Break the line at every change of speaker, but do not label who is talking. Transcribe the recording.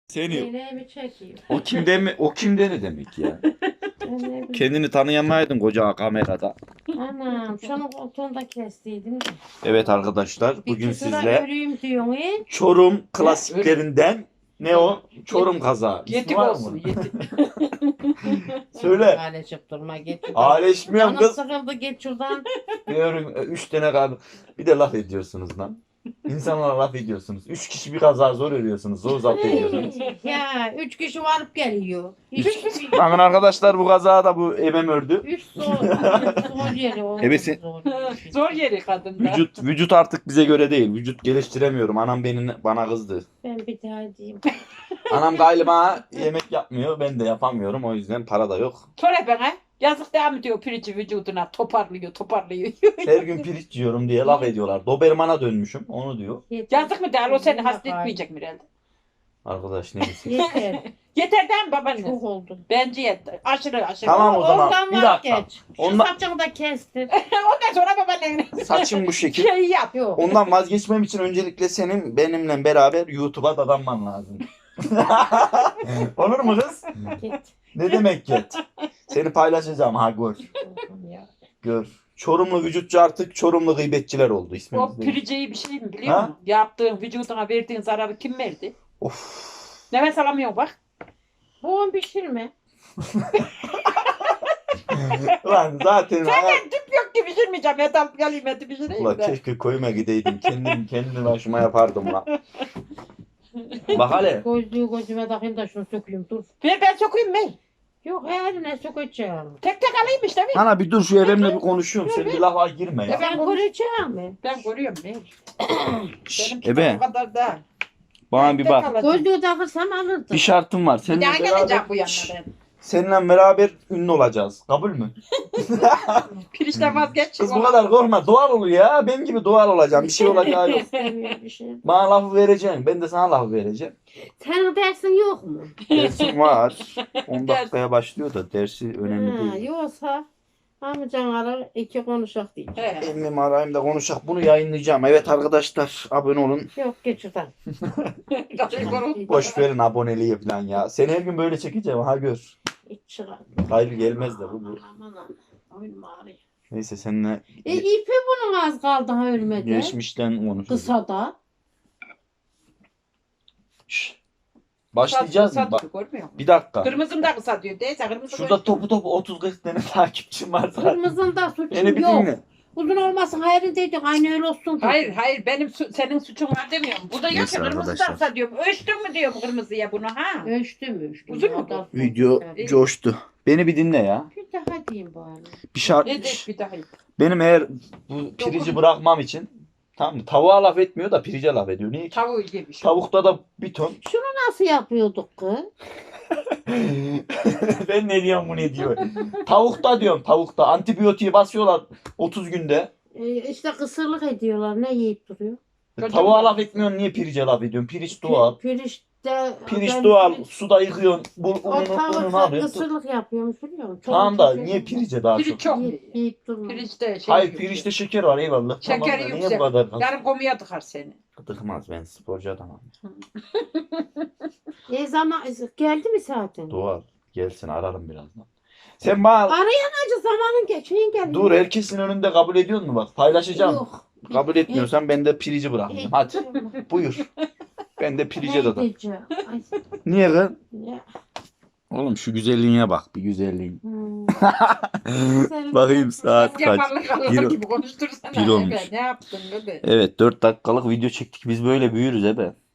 Seni
Yeğenimi çekeyim.
o kimde ne demek ya?
Ben ne bileyim.
Kendini tanıyamaydın koca kamerada.
Anam şunu koltuğunda kestiydim.
Evet arkadaşlar
Bir
bugün
küsura
sizle
öreyim diyorsun he?
Çorum klasiklerinden ne o? Çorum kazağı. İsmi
Yetik
var
olsun
mı?
yetik.
Söyle.
Hale çıktırma geç şuradan.
Aaleşmiyorum
Canım
kız.
sıkıldı geç şuradan.
Diyorum 3 tane kaldı. Bir de laf ediyorsunuz lan. İnsanlara laf ediyorsunuz. 3 kişi bir kaza zor örüyorsunuz. Zor zapt ediyorsunuz.
Ya 3 kişi varıp geliyor.
Bakın arkadaşlar bu kazada bu ebem ördü.
3 zor yeri o.
Ebesi-
Zor yeri kadında.
Vücut artık bize göre değil. Vücut geliştiremiyorum. Anam bana kızdı.
Ben bir daha diyeyim.
Anam galiba yemek yapmıyor. Ben de yapamıyorum. O yüzden para da yok.
Sonra bana yazık devam ediyor pirinci vücuduna toparlıyor.
Her gün pirinç yiyorum diye laf ediyorlar. Doberman'a dönmüşüm. Onu diyor.
Yazık mı der o seni hasta etmeyecek mi herhalde?
Arkadaş neyse.
Yeter.
Yeter değil mi babaanne?
Çok oldu.
Bence yeter. Aşırı.
Tamam o zaman.
Ondan
Bir dakika.
vazgeç. Şu
Ondan-
saçını da kestir.
Ondan sonra babaanne
Saçım bu şekil.
şey yap.
Yok.
Ondan vazgeçmem için öncelikle senin benimle beraber YouTube'a dadanman lazım. Olur mu kız?
Git.
Ne demek git? Seni paylaşacağım ha gör.
Ya.
Gör. Çorumlu vücutçu artık Çorumlu gıybetçiler oldu
O
ismimiz değil.
pirinceyi bir şey mi biliyor
Ha?
musun? Yaptığın vücuduna verdiğin zararı kim verdi?
Of.
Nefes alamıyorsun bak.
Boğum pişirme.
Lan zaten
Tüp yok ki pişirmeyeceğim. Metal geleyim eti pişireyim
Ulan
de.
keşke koyuma gideydim. Kendi başıma yapardım lan. Bak hele.
Gözlüğü gözüme takayım da şunu sökeyim dur.
Ver ben sokayım ben.
Yok eline sökeceğim.
Tek tek alayım işte mi?
Ana bir dur şu evimle bir konuşuyorum. Sen bir lafa girme ya.
Ben göreceğim mi?
Ben görüyorum ben. Benimki
Ebe.
o kadar da.
Bana bir
Tek
bak.
alacağım.
Gözlüğü takırsam alırdım.
Bir şartım var.
Bir
Seninle
daha geleceğim
beraber,
bu yanına ben.
seninle beraber ünlü olacağız. Kabul mü?
Pirinçten vazgeç.
Kız bu kadar korkma. Doğal ol ya. Benim gibi doğal olacağım. Bir şey olacağı yok.
İstemiyorum bir şey.
Bana lafı vereceksin. Ben de sana lafı vereceğim.
Senin dersin yok mu?
Dersim var. 10 dakikaya başlıyor da dersi önemli
Ha,
değil.
yoksa amcan arar iki konuşak değil.
He.
Emmim arayayım da konuşak. Bunu yayınlayacağım. Evet arkadaşlar abone olun.
Yok geç şuradan.
Boş verin aboneliği falan ya. Seni her gün böyle çekeceğim. Ha gör.
Hiç çıkar.
Hayır gelmez de bu.
Aman aman. Oyun ağrıyor.
Neyse seninle
İpi bunun az kaldı ha ölmedi.
geçmişten konuşuruz.
Kısa da.
Şşş. Başlayacağız mı? Bak,
Görmüyor musun?
bir dakika.
Kırmızım da kısa diyor. Değilse kırmızı
Şurada topu 30-40 tane takipçim var zaten.
Kırmızında suçum
Beni bir
yok.
dinle.
Uzun olmasın hayır dedik aynı öyle olsun.
Hayır benim senin suçun var demiyorum. Burada yok ki
Neyse
kırmızı da
arkadaşlar.
kısa diyorum. Ölçtün mü diyorum kırmızıya bunu ha?
Ölçtüm.
Uzun mu?
O da-
Video
Evet.
coştu. Beni bir dinle ya.
Bir daha diyeyim bari.
Bir şart.
Ne de bir daha.
Benim eğer bu pirici bırakmam için tamam mı? Tavuğa laf etmiyor da pirice laf ediyor. Niye ki?
Tavuğu yemiş.
Tavukta da bir ton.
Nasıl yapıyorduk kız?
Ben ne diyorum bu ne diyor. Tavukta diyorum tavukta. Antibiyotiği basıyorlar 30 günde.
İşte kısırlık ediyorlar. Ne yiyip duruyor?
Tavuğa laf etmiyorsun niye pirice laf ediyorsun? Pirinç doğal.
Pirinçte...
Pirinç
ben
doğal.
pirinç-
Suda yıkıyorsun.
O
Ununu
tavuk
alıyorsun.
kısırlık yapıyormuş biliyor musun?
Tamam da niye pirice daha çok?
Pirinç çok.
Yiyip durma.
Pirinçte şey
Hayır
yok.
pirinçte şeker var eyvallah.
Şekeri
Tamam da niye
yüksek.
bu kadar?
Yarın komuya tıkar seni.
Tıkmaz ben sporcu adamım.
Zaman geldi mi zaten?
Doğal. Gelsin ararım birazdan. Sen bana
Acı zamanın geçeyin geldi.
dur herkesin önünde kabul ediyor musun bak? Paylaşacağım.
Yok.
Kabul etmiyorsan ben de pirici bırakacağım. Hadi buyur. Ben de pirice
Ne
dadan.
diyeceğim? Ay,
Niye kız?
ya.
Oğlum şu güzelliğine bak bir güzelliğin.
Hmm.
Bakayım saat kaç.
Yaparlık Allah
Bir-
gibi konuştursana.
bir olmuş.
Ebe, ne yaptın bebe?
Evet 4 dakikalık video çektik. Biz böyle büyürüz ebe.